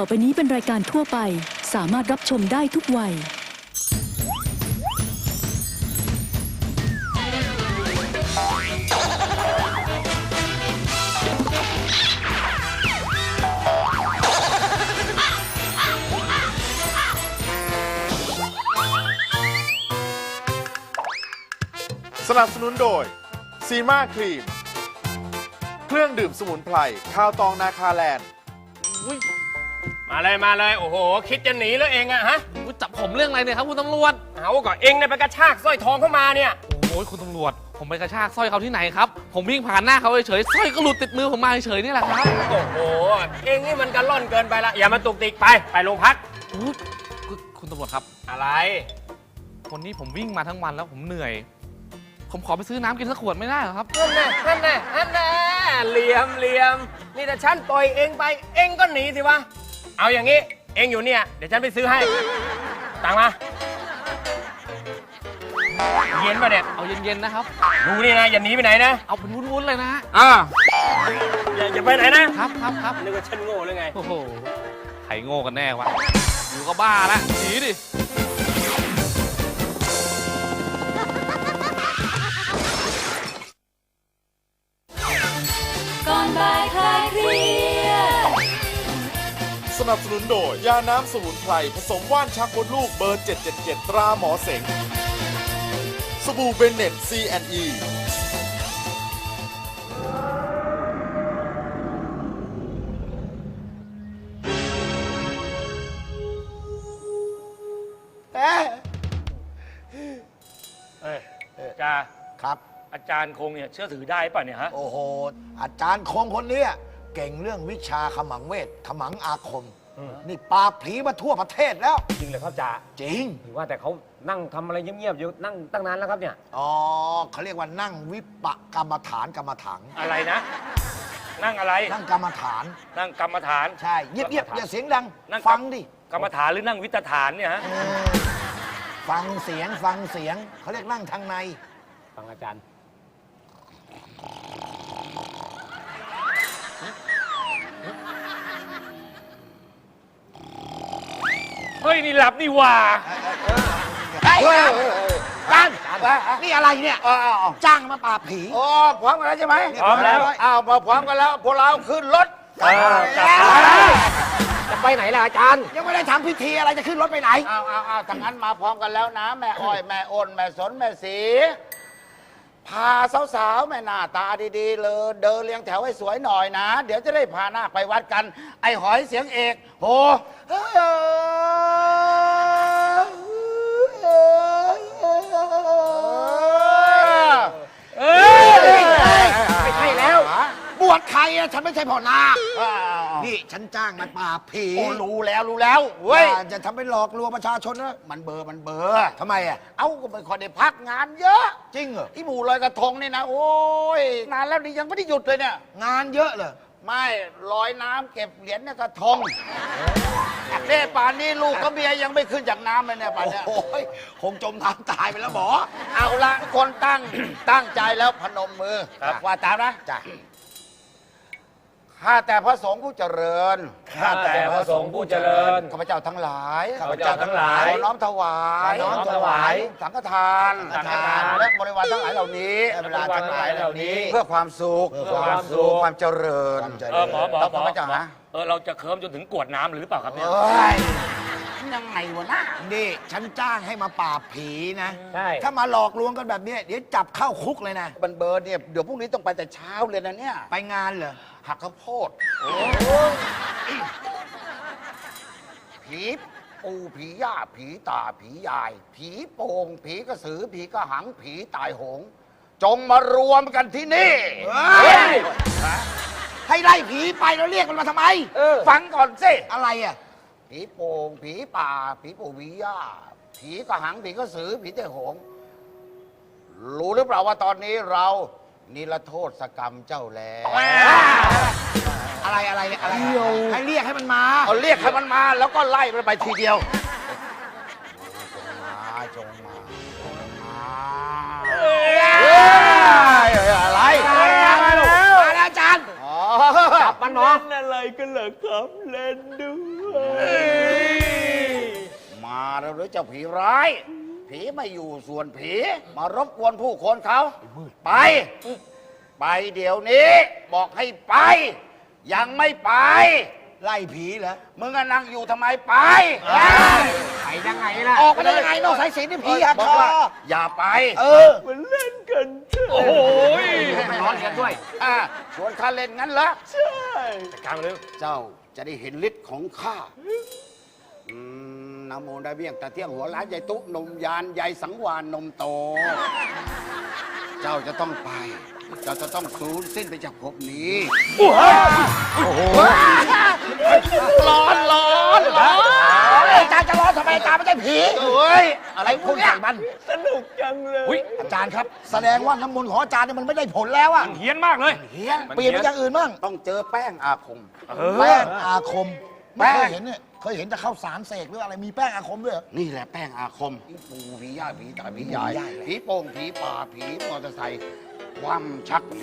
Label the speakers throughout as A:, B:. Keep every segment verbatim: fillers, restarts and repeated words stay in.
A: ต่อไปนี้เป็นรายการทั่วไปสามารถรับชมได้ทุกวัย
B: สนับสนุนโดยซีมาครีมเครื่องดื่มสมุนไพรข้าวตองนาคาแลนด์
C: มาเลยมาเลยโอ้โหคิดจะหนีแล้วเองอะฮะ
D: คุณจับผมเรื่องอะไรเนี่ยครับคุณตำรวจ
C: เอาก็เองเนี่ยไปกระชากสร้อยทองเข้ามาเนี่ย
D: โอ้ยคุณตำรวจผมไปกระชากสร้อยเขาที่ไหนครับผมวิ่งผ่านหน้าเขาเฉยๆสร้อยก็หลุดติดมือผมมาเฉยๆนี่แหละครับ
C: โอ้โหเองนี่มันกระล่อนเกินไปละอย่ามาตุกติกไปไปโรงพัก
D: อุ๊ยคุณคุณตำรวจครับ
C: อะไร
D: วันนี้ผมวิ่งมาทั้งวันแล้วผมเหนื่อย ผมขอไปซื้อน้ำกินสักขวดไม่ได้เหรอครับ
C: นั่นแน่นั่นแน่นั่นแน่เหลี่ยมเหลี่ยมนี่แต่ฉันปล่อยเองไปเองก็หนีสิวะเอาอย่างนี้เองอยู่เนี่ยเดี๋ยวฉันไปซื้อให้ตังมาเย็นป่ะเนี่ย
D: เอาเย็นๆนะครับ
C: ดูนี่นะอย่าหนีไปไหนนะ
D: เอาเป็นวุ้นๆเลยนะ
C: อ่าอย่าอย่าไปไหนนะครับ
D: ครับครับ
C: นึกว่าฉันโง่หรือไง
D: โอ้โหใครโง่กันแน่วะอยู่ก็บ้าละหนีดิ
A: ก่อนบ่ายคลายเครียด
B: สนับสนุนโดยยาน้ำสมุนไพรผสมว่านชักมดลูกเบอร์เจ็ดเจ็ดเจ็ดตราหมอเสงสบู่เบนเน็ต ซี แอนด์ อี
C: เอ้ยจ้า
E: ครับ
C: อาจารย์คงเนี่ยเชื่อถือได้ป่ะเนี่ยฮะ
E: โอ้โห อาจารย์คงคนเนี้ยเก่งเรื่องวิชาขมังเวท ขมังอาคม นี่ปราบผีมาทั่วประเทศแล้ว
F: จริงเลยครับจ่า
E: จริง
F: หรือว่าแต่เขานั่งทำอะไรเงียบๆอยู่นั่งตั้งนานแล้วครับเนี่ย
E: อ๋อเขาเรียกว่านั่งวิปกรรมฐานกรรมถัง
C: อะไรนะ นั่งอะไร
E: นั่งกรรมฐาน
C: นั่งกรรมฐาน
E: ใช่ เงียบๆอย่าเสียงดัง
C: นั่ง
E: ฟังดิ
C: กรรมฐานหรือนั่งวิตฐานเนี่ยฮะ
E: เออฟังเสียงฟังเสียงเขาเรียกนั่งทางใน
F: ฟังอาจารย์
C: เฮ้ยนี่หลับนี่หว่า
E: กันนี่อะไรเนี่ยจ้างมาปราบผี
G: โอ้พร้อมกันแล้วใช่ไหม
C: พร้อมแล้ว
G: อ้าวมาพร้อมกันแล้ว พวกเราขึ้นรถ
F: จะไปไหนล่ะอาจารย์
E: ยังไม่ได้ทำพิธีอะไรจะขึ้นรถไปไหน
G: อ้าวอ้าวอ้าวถ้างั้นมาพร้อมกันแล้วนะ แม่อ้อย แม่อ้น แม่สน แม่สี พาสาวๆ แม่หน้าตาดีๆ เลย เดินเรียงแถวให้สวยหน่อยนะ เดี๋ยวจะได้พาหน้าไปวัดกัน ไอ้หอยเสียงเอกโห
C: เอ้ย
E: ไม่ใช่แล้ว บวชใครอะฉันไม่ใช่พ่อนาคนี่ฉันจ้างมาปราบผี
G: โอ้รู้แล้วรู้แล้วเว้ย
E: อย่าจะทำเป็นหลอกลวงประชาชนนะ
G: มันเบอร์มันเบอร์
E: ทำไมอะ
G: เอ้าก็ไม่ค่อยได้พักงานเยอะ
E: จริงเหรอ
G: ที่หมู่ลอยกระทงนี่นะ โอ้ยนานแล้วนี่ยังไม่ได้หยุดเลยเนี่ย
E: งานเยอะเหรอ
G: ไม่ลอยน้ำเก็บเหรียญในกระทงเน่ป่านนี้ลูกกับเมียยังไม่ขึ้นจากน้ำเลยเนี่ยป่านเนี้ย
E: โอ้ยคงจมน้ำตายไปแล้วหมอ
G: เอาละคนตั้ง ตั้งใจแล้วพนมมือ
E: ครับ
G: ว่าตามนะ
E: จ้ะ
G: ข้าแต่พระสงฆ์ผู้เจริญ
C: ข้าแต่พระสงฆ์ผู้เจริญ
G: ข้าพเจ้าทั้งหลาย
C: ข้าพเจ้าทั้งหลาย
G: ขอน้อมถวาย
C: ขอน้อมถวาย
G: สังฆทาน
C: สังฆทาน
G: และบริวารทั้งหลายเหล่านี้
E: และบริวารทั้งหลายเหล่านี้
G: เพื่อความสุข
E: เพื่อความสุข
G: ความเจริญ
E: ความเจริญ
C: เออหมอหมอ
G: แล้ว
C: หมอ
G: ข้าพเจ้านะ
C: เออเราจะเคิมจนถึงกวดน้ำหรือเปล่าครับเนี่ย
G: เอ้ยยังไงวะนะ
E: นี่ฉันจ้างให้มาปราบผีนะ
F: ใช่
E: ถ้ามาหลอกลวงกันแบบเนี้ยเดี๋ยวจับเข้าคุกเลยนะ
G: บันเบิร์ดเนี่ยเดี๋ยวพรุ่งนี้ต้องไปแต่เช้าเลยนะเนี่ย
E: ไปงานเหรอ
G: หักข้าวโพดผีปูผีย่าผีตาผียาย ผีโป่งผีกระสือผีกระหังผีตายโหง จงมารวมกันที่นี่
E: เฮ้ย ให้ไล่ผีไปแล้วเรียกมันมาทำไม
G: ฟังก่อนสิ
E: อะไรอ่ะ
G: ผีโป่งผีป่า ผีปู่ผีย่า ผีกระหังผีกระสือผีตายโหง รู้หรือเปล่าว่าตอนนี้เรานิรโทษกรรมเจ้าแล้ว
E: อะไรอะไรอะไรให้เรียกให้มันมา
G: เอาเรียกให้มันมาแล้วก็ไล่มันไปทีเดียว มาจงมาจงมาอะไร
E: มาแล้วมาแล้วอาจารย์
G: อ๋อ
F: จับมันเนาะ
C: อะไรกันเหรอครับเล่นด้วย
G: เจ้าผีร้าย ผีไม่อยู่ส่วนผีมารบกวนผู้คนเขาไป ไปเดี๋ยวนี้ บอกให้ไป ยังไม่ไป
E: ไล่ผีเหรอ
G: มึงก็นั่งอยู่ทำไมไป
F: ไปยังไงล่ะ
E: ออกไปได้ยังไงนอกสายสิญจนนี่ผีหัก
G: บอ
E: ค
G: ก
E: อ
G: ว่าอย่าไป
E: เออ
C: โอ้โห
F: มันร้อนกันด้วย
G: อ่ะชวนข้าเล่นงั้นเหรอ
C: จัดการมาเร็ว
G: เจ้าจะได้เห็นฤทธิ์ของข้าอืมนะโมได้เบี้ยงตะเที่ยงหัวล้านใหญ่ตุนมยานใหญ่สังวานนมโต เจ้าจะต้องไป เจ้าจะต้องสูญสิ้นไปจากภพนี้
C: ร้อนร้อนร้อน
E: อาจารย์จะร้อนทำไมอาจารย์ไม่ใช่ผี
G: เอ้ย อะไร
E: ไอ้
G: พ
E: พ
G: ว
E: ว
G: ก
E: ก
G: เนี้ย
E: ใส่มัน
C: อุ้ย
E: อาจารย์ครับ แสดงว่าน้ำมนต์ของอาจารย์เนี่ยมันไม่ได้ผลแล้วอะ
C: เฮี้ยนมากเลย
E: เฮียเปลี่ยนไปอย่างอื่นบ้าง
G: ต้องเจอแป้งอาคม
E: แป้งอาคม
G: แป้
E: ไม่
G: ง
E: เคยเห็นเนี่ยเคยเห็นแต่ข้าวสารเสกหรืออะไรมีแป้งอาคมด้วยเหรอ
G: นี่แหละแป้งอาคมผีปูผีย่าผีตาผียายผีโป่งผีป่าผีมอเตอร์ไซค์ความชัก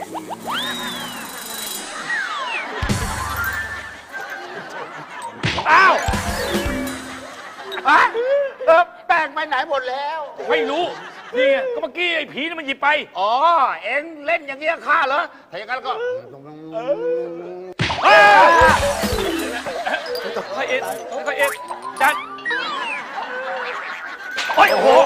C: อ้าว
G: อะเออแป้งไปไหนหมดแล้ว
C: ไม่รู้ นี่ไงก็เมื่อกี้ไอ้ผีนี่มันหยิบไป
G: อ๋อ เอ็งเล่นอย่างเงี้ยข้าเหรอ ถ้าอย่างนั้นก็
C: ค่อยเอ็ดค่อยเอ็ดจัดโอ้ยโอ้โห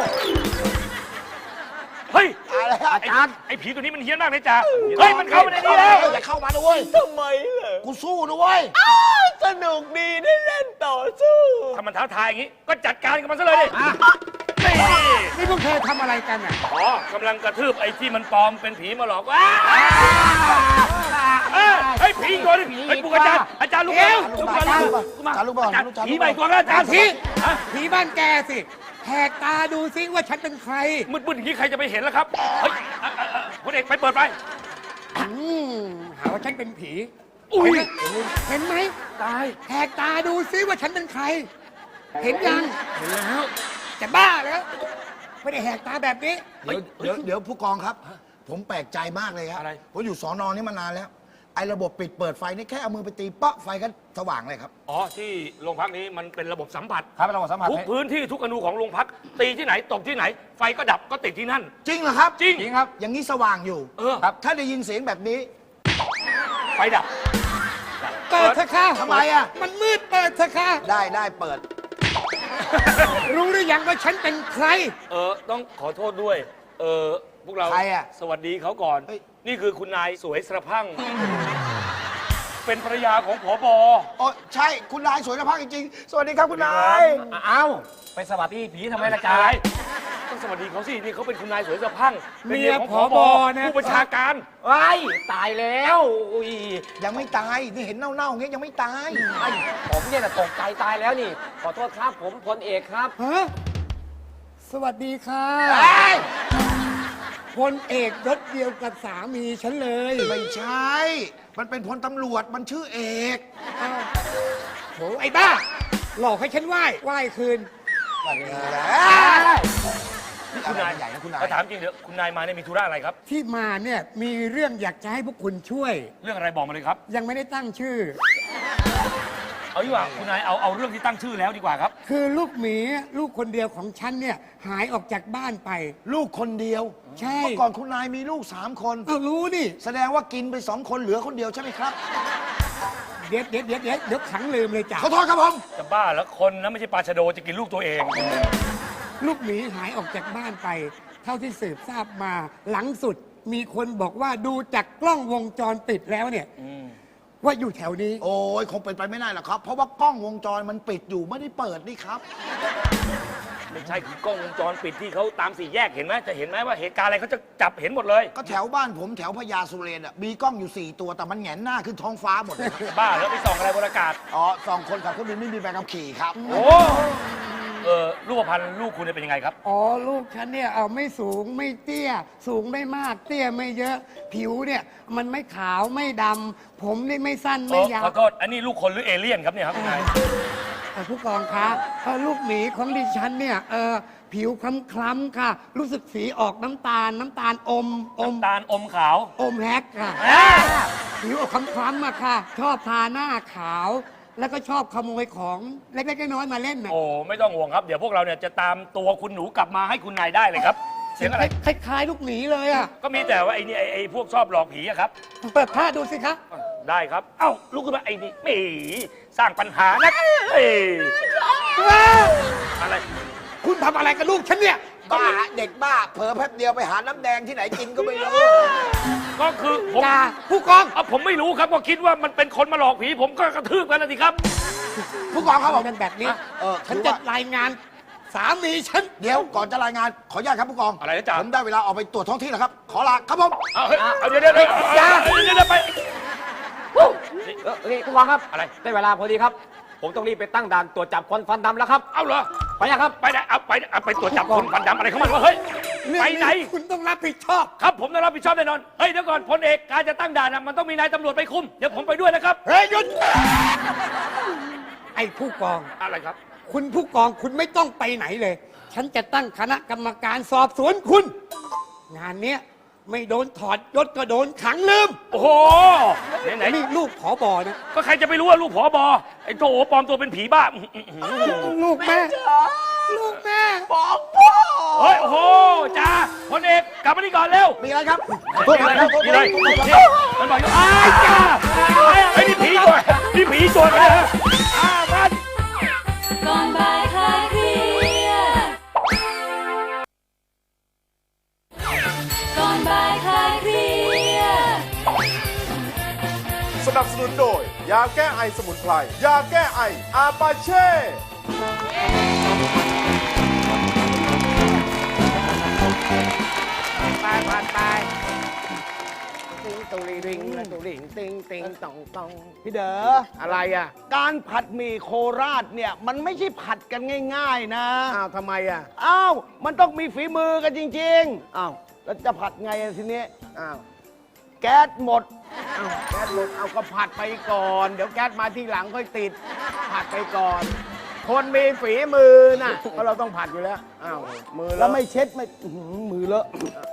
C: เฮ้ย
E: อะไรอะอาจารย์
C: ไอ้ผีตัวนี้มันเฮี้ยนมากเลยจ้าเฮ้ย มันเข้ามาในนี้แล้ว
E: อย่าเข้ามาด้วยทำไมล่ะกูสู้นะเว้ย
H: สนุกดีได้เล่นต่อสู้
C: ถ้ามันท้าทายอย่างงี้ ก็จัดการกับมันซะเลยดินี่
F: นี่พวกเธอทำอะไรกันอ่ะ
C: อ๋อกำลังกระทืบไอ้ที่มันปลอมเป็นผีมาหลอกว่าเอ้ยเฮ้ยผีอีกตัวหนึงเฮ้ยปลุกอาจารย์ อาจารย์ลุกแล้วลุกมาลุกมา
E: อาจารย์ลุกมา
C: อาจารย์
E: อาจารย์ลุกมา
C: ผีใหม่ตัวแล้วอาจารย์
F: ผี
C: ฮะ
F: ผีบ้านแกสิแหกตาดูซิว่าฉันเป็นใคร
C: มืดๆอย่างนี้ใครจะไปเห็นล่ะครับ เฮ้ยอ่ะอ่ะอ่ะคุณเอกไปเปิดไฟ
F: อืมหาว่าฉันเป็นผี
C: อุ้ย
F: เห็นไหมตายแหกตาดูซิว่าฉันเป็นใคร เห็นยัง เห็นแล้ว จะบ้าแล้วไม่ได้แหกตาแบบนี้
E: เดี๋ยวเดี๋ยวเดี๋ยวผู้กองครับ ผมแปลกใจมากเลยครับ
C: อะไร
E: ผมอยู่สอนอนี่มานานแล้ว ไอ้ระบบปิดเปิดไฟนี่แค่เอามือไปตีเปาะไฟก็สว่างเลยครับ
C: อ๋อ ที่โรงพักนี้มันเป็นระบบสัมผัส
F: ครับเราสัมผัส
C: ทุกพื้นที่ทุกอนูของโรงพัก ตีที่ไหนตกที่ไหน ไฟก็ดับก็ติดที่นั่น
E: จริงเหรอครับ
C: จริง
F: จริงครับ
E: อย่างนี้สว่างอยู่
C: เออ
E: ครับถ้าได้ยินเสียงแบบนี้
C: ไฟดับ
F: เปิดเถอะค่ะ
E: ทำไมอะ
F: มันมืดเปิดเถอะค่ะ
E: ได้ได้เปิด
F: รู้หรือยังว่าฉันเป็นใคร
C: เออ ต้องขอโทษด้วย เออ พวกเรา
E: ใครอะ
C: สวัสดีเขาก่อน
E: เฮ้ย
C: นี่คือคุณนายสวยสระพรั่ง เป็นภรรยาของผบ
E: อ๋อใช่คุณนายสวยนะพักจริงๆ สวัสดีครับคุณนาย
F: เอ้าไปสวัสดีผีทำไมล่ะจ๊ะ
C: อะไรต้องสวัสดีเขาสิ นี่เขาเป็นคุณนายสวยสระพรั่งเป็น
F: เมีย
C: ของ
F: ผบนะ
C: ผู้บัญชาการ
F: ว้ายตายแล้วอุ้ย
E: ยังไม่ตาย นี่เห็นเน่าๆอย่างเงี้ยยังไม่ตาย
H: ไอ้ผมเนี่ยนะตกใจตายแล้วนี่ ขอโทษครับ ผมพลเอกครับ
F: ฮะสวัสดีค่ะพลเอกยศเดียวกับสามีฉันเลย
E: ไม่ใช่ มันเป็นพลตำรวจ มันชื่อเอก
F: อ้าวโหไอ้บ้า หลอกให้ฉันไหว้ไหว้คืน
C: คุณนาย
E: ใหญ่นะคุณนาย
C: มาถามจริงเถอะคุณนายมาเนี่ยมีธุระอะไรครับ
F: ที่มาเนี่ยมีเรื่องอยากจะให้พวกคุณช่วย
C: เรื่องอะไรบอกมาเลยครับ
F: ยังไม่ได้ตั้งชื่อ
C: เอาดีกว่าคุณนายเอาเอาเรื่องที่ตั้งชื่อแล้วดีกว่าครับ
F: คือลูกหมีลูกคนเดียวของฉันเนี่ยหายออกจากบ้านไป
E: ลูกคนเดียว
F: ใช่
E: เมื่อก่อนคุณนายมีลูกสามคน
F: เอารู้นี่
E: แสดงว่ากินไปสองคนเหลือคนเดียวใช่ไหมครับ
F: เดี๋ยวเดี๋ยวเดี๋ยวเดี๋ยวเดี๋ยวขังลืมเลยจ้ะ
E: ขอโทษครับผม
C: จะบ้าแล้วคนนะไม่ใช่ปลาชะโดจะกินลูกตัวเอง
F: ลูกหมีหายออกจากบ้านไป เท่าที่สืบทราบมา หลังสุดมีคนบอกว่าดูจากกล้องวงจรปิดแล้วเนี่ยว่าอยู่แถวนี้
E: โอ้ยคงเป็นไปไม่ได้หรอกครับ เพราะว่ากล้องวงจรมันปิดอยู่ไม่ได้เปิดนี่ครับ
C: ไม่ใช่คือกล้องวงจรปิดที่เขาตามสี่แยกเห็นไหมจะเห็นไหมว่าเหตุการณ์อะไรเขาจะจับเห็นหมดเลย
E: ก็แถวบ้านผมแถวพญาสุเรนอ่ะมีกล้องอยู่สี่ตัวแต่มันแหงนหน้าขึ้นท้องฟ้าหมดเลยครับ
C: บ้าแล้วไปส่องอะไรบนอากาศ
E: อ๋อสองคนขับเครื่องบินไม่มีใบขับขี่ครับ
C: โอ้เออรูปพรรณลูกคุณเนี่ยเป็นยังไงครับ
F: อ๋อลูกฉันเนี่ยเอาไม่สูงไม่เตี้ย สูงไม่มาก เตี้ยไม่เยอะ ผิวเนี่ยมันไม่ขาวไม่ดำผมนี่ไม่สั้นไม่ยาว
C: ขอโทษอันนี้ลูกคนหรือเอเลี่ยนครับเนี่ยครับคุณนาย
F: เอ่อผู้กองคะเอ่อลูกหมีของดิฉันเนี่ยเออผิวคล้ำๆค่ะ รู้สึกสีออกน้ำตาล น้ำตาลอมอม
C: น้ำตาลอมขาว
F: อมแฮกค่ะ ผิวออกคล้ำๆอะค่ะ ชอบทาหน้าขาวแล้วก็ชอบขโมยของเล็กๆน้อยๆมาเล่นน่ะ
I: โอ้ไม่ต้องห่วงครับ เดี๋ยวพวกเราเนี่ยจะตามตัวคุณหนูกลับมาให้คุณนายได้เลยครับ เสียงอะไร
F: คล้ายๆลูกหมีเลยอ่ะ
I: ก็มีแต่ว่าไอ้นี่ไอ้ไอ้พวกชอบหลอกผีอะครับ
F: เปิดผ้าดูสิคะ
I: ได้ครับ เอ้าลุกขึ้นมาไอ้นี่ไม่สร้างปัญหานะเอ้ยอะไร
F: คุณทำอะไรกับลูกฉันเนี่ย
E: บ้าเด็กบ้า เผลอแป๊บเดียวไปหาน้ำแดงที่ไหนกินก็ไม่รู้
I: ก็คือผม
F: จ่าผู้กอง
I: เอาผมไม่รู้ครับก็คิดว่ามันเป็นคนมาหลอกผี ผมก็กระทืบกันนะสิครับ
F: ผู้กองเขาบอกกันแบบนี้
E: เออ
F: ฉันจะรายงานสามีฉัน
E: เดี๋ยวก่อนจะรายงานขออนุญาตครับผู้กอง
I: อะไรนะจ๊ะ
E: ผมได้เวลาออกไปตรวจท้องที่แล้วครับ ขอลาครับผม
I: เอาเฮ้ยเอาเดี๋ยวเดี๋ยวเดี๋ยว
F: อย่า
I: เดี๋ยวเดี๋ยวไป
H: เออนี่ผู้กองครับ
I: อะไร
H: ได้เวลาพอดีครับ ผมต้องรีบไปตั้งด่านตรวจจับคนฟันดำแล้วครับ
I: เอาเหรอ
H: ไปยังครับ
I: ไปไหนเอาไปเอาไปตรวจจับคนฟันดำอะไรของมันวะเฮ้ย ไปไหน
F: คุณต้องรับผิดชอบ
I: ครับผมต้องรับผิดชอบแน่นอน เฮ้ยเดี๋ยวก่อนพลเอกการจะตั้งด่านนะมันต้องมีนายตำรวจไปคุม เดี๋ยวผมไปด้วยนะครับ
F: เฮ้ยหยุด ไอ้ผู้กอง
I: อะไรครับ
F: คุณผู้กองคุณไม่ต้องไปไหนเลย ฉันจะตั้งคณะกรรมการสอบสวนคุณ งานเนี้ยไม่โดนถอดยศก็โดนขังลืม
I: โอ้โห ไหนไหน
F: นี่ลูกผอบอนะ
I: ก็ใครจะไปรู้ว่าลูกผอบอไอ้โถปลอมตัวเป็นผีบ้าอื้อหือ
F: ลูกแม่ ลูกแม่
I: เฮ้ย โอ้โหจ้าพลเอกกลับมานี่ก่อนเร็ว
E: มีอะไรครับ
I: มีอะไรมีอะไรนี่มันบอกอยู่อ้ายจ้าไอ้นี่ผีตัวนี่ผีตัวกันนะอ้ามัน
A: ก่อนบ่ายคลายเครียดก่อนบ่ายคลายเครียด
B: สนับสนุนโดย ยาแก้ไอสมุนไพร ยาแก้ไออาปาเช่
C: ไปผ่านไปติงตุลิริงและตุลิงติงติงตองตอง
G: พี่เด๋อ
C: อะไรอ่ะ
G: การผัดหมี่โคราชเนี่ย มันไม่ใช่ผัดกันง่าย ๆ นะ
C: อ้าวทำไมอ่ะ
G: อ้าว มันต้องมีฝีมือกันจริง ๆ อ้าว แล้วจะผัดไงอะทีนี้
C: อ้าว
G: แก๊สหมด
C: อ้าวแก๊สหมดเอาก็ผัดไปก่อน เดี๋ยวแก๊สมาที่หลังค่อยติด ผัดไปก่อน คนมีฝีมือน่ะเพราะเราต้องผัดอยู่แล้ว อ้าว มือ
G: แล้
C: แล้ว ว
G: ไม่เช็ดไม่อื้อหือมือเลอะ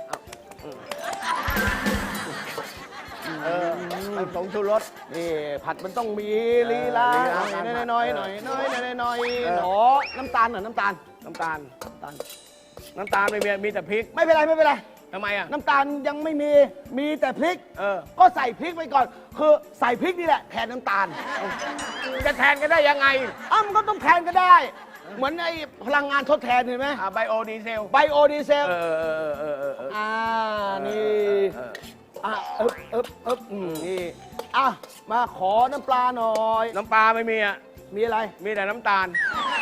C: เออมันผงชูรส
G: นี่ผัดมันต้องมีลีลา
C: ลี
G: ห
C: ลา
G: น่อยน้อยๆหน่อยน้อยๆหน่อยๆ
C: เออ
G: หนอน้ำตาลหน่อยน้ำตาล
C: น้ำตาล
G: น้ำตาล
C: น้ำตาลไม่มีมีแต่พริก
G: ไม่เป็นไรไม่เป็นไร
C: ทำไมอ่ะ
G: น้ำตาลยังไม่มีมีแต่พริก
C: เออ
G: ก็ใส่พริกไปก่อน คือใส่พริกนี่แหละแทนน้ำตาล
C: จะแทนกันได้ยังไง
G: อ้าวมันก็ต้องแทนก็ได้ เหมือนไอ้พลังงานทดแทนเห็นไหม
C: อ่าไบโอดีเซล
G: ไบโอดีเซล
C: เออเออเออเออเออ
G: อ่านี่อ่ะเอ๊บเอ๊บเอ๊บอืมนี่อ่ะมาขอน้ำปลาหน่อย
C: น้ำปลาไม่มีอ่ะ
G: มีอะไร
C: มีแต่น้ำตาล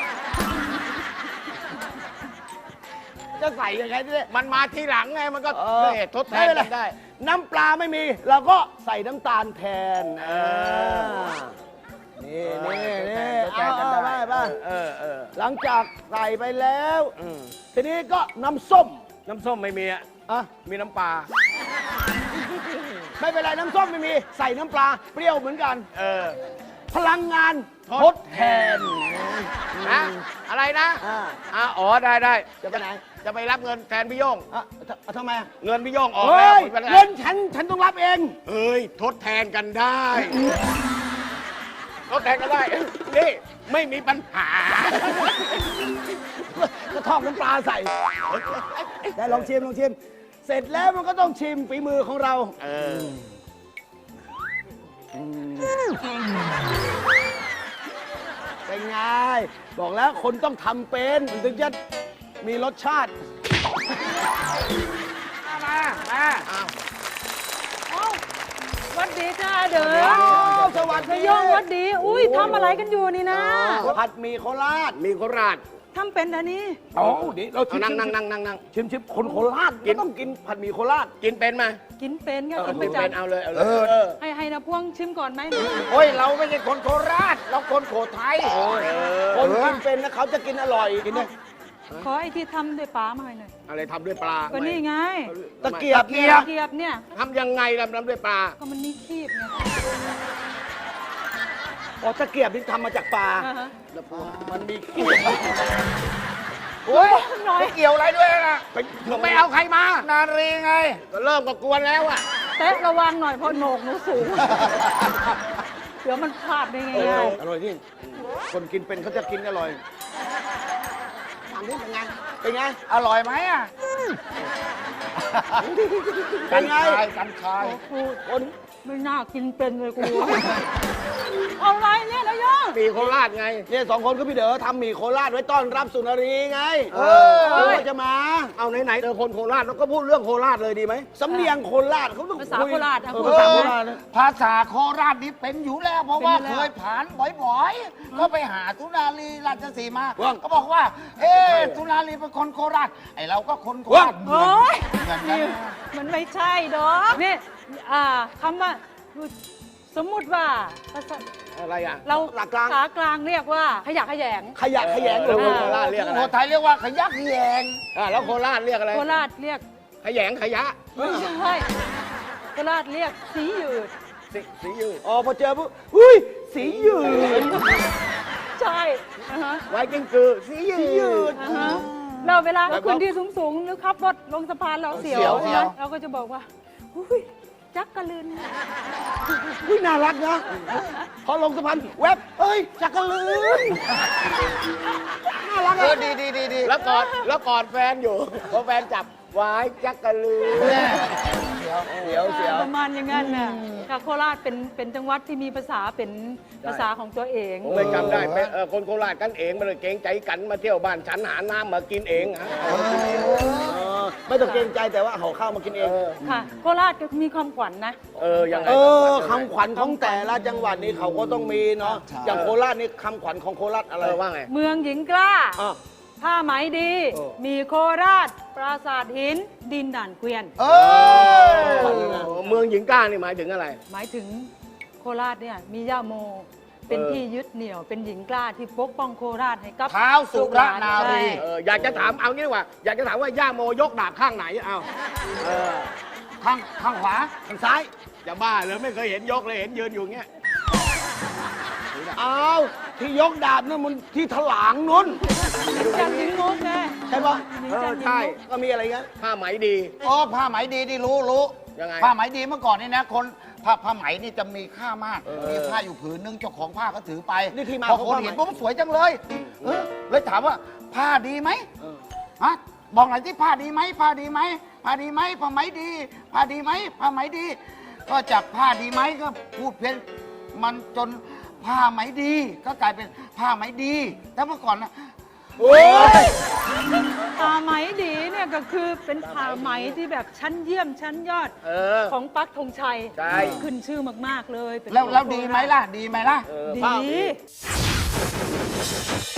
G: จะใส่ยังไงเนี่ย
C: มันมาทีหลังไง มันก็
G: เอ
C: เอ
G: อ
C: อทดแทน
G: ไม่เป็
C: กัน
G: ไร
C: ได้
G: น้ำปลาไม่มีเราก็ใส่น้ำตาลแทน
C: เออ
G: นี่นี่นี่
C: ทดแทนกัน
G: เอา
C: ได้
G: เอาไปไป
C: เออเออ
G: หลังจากใส่ไปแล้ว
C: อืม
G: ทีนี้ก็น้ำส้ม
C: น้ำส้มไม่มีอ่ะ
G: อ่ะ
C: มีน้ำปลา
G: ไม่เป็นไรน้ำส้มไม่มี ใส่น้ำปลาเปรี้ยวเหมือนกัน
C: เออ
G: พลังงานทดแทน
C: นะอะไรนะ
G: อ่า
C: อ่าอ๋อได้ได้
G: จะไปไหน
C: จะไปรับเงินแทนพี่โย่ง
G: อ่ะทำทำไมอ่ะ
C: เงินพี่โย่งออก
G: เฮ้
C: แล้ว
G: ย
C: ไม่เป็นไร
G: เงินฉันฉันต้องรับเอง
C: เฮ้ยทดแทนกันได้ทดแทนกันได้นี่ไม่มีปัญหา
G: ก็ทอดน้ำปลาใส่ ได้ลองชิมลองชิม เสร็จแล้วมันก็ต้องชิมฝีมือของเรา
C: เออ
G: เป็นไง บอกแล้วคนต้องทำเป็นมันถึงจะมีรสชาติ
C: มามา
J: วัดดีจ้าเด้อ
G: อ้าวสวัสดี
J: นายโยงวัดดี อุ้ยทำอะไรกันอยู่นี่นะ
G: ผัดหมี่โคราช
C: มีโคราช
J: ทำเป็นอันนี้
G: อ๋อเดี๋ยวเราชิ
C: เอา
G: ม
C: นั่งนั่งนั่งนั่งนั่ง
G: ชิมชิมคนโคราชก็ต้องกินผัดหมี่โคราช
C: กินเป็นไหม
J: กินเป็นก็
C: เออ
J: กินป
C: กิ
J: ระ
C: น
J: จ
C: เป็นเอาเลยเอาเลยเออ
J: ำให้ให้นะพวงชิมก่อนไหม
C: โอ้ยเราไม่ใช่คนโคราช เราคนโขทัย
G: คนกินเป็นนะเขาจะกินอร่อยกินเนี่ย
J: ขอไอ้ที่ทำด้วยปลามาให้หน่อย
C: อะไรทำด้วยปลา
J: ก็นี่ไง
G: ตะเกียบ
C: เกี
G: เนี่ย ย
C: บ
J: เกียบเนี่ย
C: ทำยังไงล่ะทำด้วยปลา
J: ก็มันมีคีบไง
G: อ๋อตะเกียบนี่ทำมาจากปลา
J: อ่าฮะ
C: มันมีเกียบโอ้ย
J: น้อย
C: เกี่ยวอะไรด้วยล่ะไปไม่เอาใครมา นารีไง ก็เริ่มก็กวนแล้วอ่ะ
J: เตะระวังหน่อยเพราะโหนกหนูสูง
C: น
J: ดี๋ยวมันพลาดได้ไง
E: อร่อยที่คนกินเป็นเขาจะกินอร่อยถามดิเป็นไงเป็นไง
G: อร่อยไหมอ่ะ
E: เป็นไง
G: กันชาย
J: กูคนไม่น่ากินเป็นเลยกู เอาอะไรเนี่ยนายก
C: ปีโคราชไง
E: เนี่ยสองคนก็พี่เด๋อทำหมี่โคราชไว้ต้อนรับสุนารีไง เออเขาจะมา
C: เอาไหนๆเจอคนโคราชแล้วก็พูดเรื่องโคราชเลยดีไหม
E: สำเนียงโคราชเขาต้อง
J: ภาษา
E: คุย
J: โคราชอะ
E: เออ
J: คุณ
E: ภาษาโคราชนะ
G: ภาษาโคราชนี่เป็นอยู่แล้ว เพราะว่า
J: เป็นอยู่
G: เค
J: แล้ว
G: ยผ่านบ่อยๆ ก็ไปหาสุนารีราชสีมา
E: ว่าง
G: ก็บอกว่า เอ๊ะสุนารีเป็นคนโคราช ไอเราก็คนโคราชเหมือน
J: โอ้ย
G: เหมือนกัน
J: มันไม่ใช่ดอกนี่อ่าคำว่าสมมุติว่าภาษา
C: อะไรอ่ะ
J: เรา
E: หลักกลาง
J: ภาษากลางเรียกว่าขยะแขยง
E: ขยะแขยง
C: แล้ว
E: เอ
C: คน
E: อ
C: โคราชเรียกอะไร
G: โคไทยเรียกว่าขยักแยง
C: อ่ะแล้วโคราชเรียกอะไร
J: โคราชเรียก
C: ขยงขยะ
J: ไม่ใช่โคราชเรียกสีหยืด
C: สีสียืด
E: อ๋อพอเจอปุ๊บอุ้ยสีหยืด
J: ใช่อ่าฮะ
C: ไว้กิ้งกือสียื
E: สีหยื
C: ด
E: ด
J: อ่าฮะเราเวลาขึ้นที่สูงๆหรือขับรถลงสะพานเราเสียว
G: เสียว
J: ใช่ไหมเราก็จะบอกว่าอุ้ยจักกะลืน
E: อุ้ยน่ารักนะพอลงสะพานแวบเฮ้ยจักรลืนน่ารัก
G: เอ
E: อ่ะ
G: อดีดีดีดี
C: แล้วกอดแล้วกอดแฟนอยู่พอแฟนจับไว้จักกะลือ
E: เสียวเสียว
J: ประมาณอย่างนั้นน่ะค่ะโคราชเป็นเป็นจังหวัดที่มีภาษาเป็นภาษาของตัวเอง
C: ผมเลยจำได้เป็นเอ่อคนโคราชกันเองมาเลยเกรงใจกันมาเที่ยวบ้านฉันหาน้ำมากินเองฮะ
E: เออไม่ต้องเกรงใจแต่ว่าห่อข้าวมากินเอง
J: ค่ะโคราชก็มีความขวัญนะ
C: เออยังไง
E: เออคำขวัญของแต่ละจังหวัดนี้เขาก็ต้องมีเนาะอย่างโคราชนี่คำขวัญของโคราชอะไร
C: เออว่าไง
J: เมืองหญิงกล้า
E: อ่ะ
J: ผ้าไหมดี
E: เออ
J: มีโคราช ปราสาทหิน ดินด่านเกวียน
G: เออ
C: เมืองหญิงกล้านี่หมายถึงอะไร
J: หมายถึงโคราชเนี่ยมีย่าโม เป็น
C: เออ
J: ที่ยึดเหนี่ยวเป็นหญิงกล้าที่ปกป้องโคราชให้กับ
G: เท้าสุรนารี
J: ใช่
C: เอออยากจะถามเอางี้ดีกว่า อยากจะถามว่าย่าโมยกดาบข้างไหนเอาเออ
G: ข้างข้างขวา
C: ข้างซ้ายจะบ้าเหรอไม่เคยเห็นยกเลยเห็นยืนอยู่อย่างเงี้ย
E: อ้าวที่ยกดาบนั่นมันที่ถลางนู้น
J: จันทร์หญิงมุกไง
E: ใช่ปะ
J: หญิง
E: เอ
J: จั
E: อน
J: ทร์หญิง
E: ใช่
J: มุก
E: ก็มีอะไรเงี้ย
C: ผ้าไหมดี
G: โอ้ผ้าไหมดีที่รู้รู้
C: ยังไง
G: ผ้าไหมดีเมื่อก่อนนี่นะคนผ้าผ้าไหมนี่จะมีค่ามาก มีผ้าอยู่ผืนนึงเจ้าของผ้าก็ถือไป
E: นี่ที่มา
G: พอ
E: ของ
G: คน
E: ผ้าไหม
G: เห็นปุ๊บสวยจังเลยเออเลยถามว่าผ้าดีไหมฮะบอกหน่อยที่ผ้าดีไหมผ้าดีไหมผ้าดีไหมผ้าไหมดี ผ้าดีไหมผ้าไหมดี ก็จากผ้าดีไหมก็พูดเพี้ยนมันจนผ้าไหมดี ก็กลายเป็นผ้าไหมดีแต่เมื่อก่อนนะ
E: โอ้ย
J: ผ้าไหมดีเนี่ยก็คือเป็นผ้าไหมที่แบบชั้นเยี่ยมชั้นยอด
C: เออ
J: ของปักธงชัย
C: ใช่
J: ขึ้นชื่อมาก ๆ เลยเป็น
G: แล้วแล้ว
J: ของ
G: ดี
J: โคราช
G: ไหมล่ะ ดีไหมล่ะ
C: เออ
J: ดี
C: ผ้า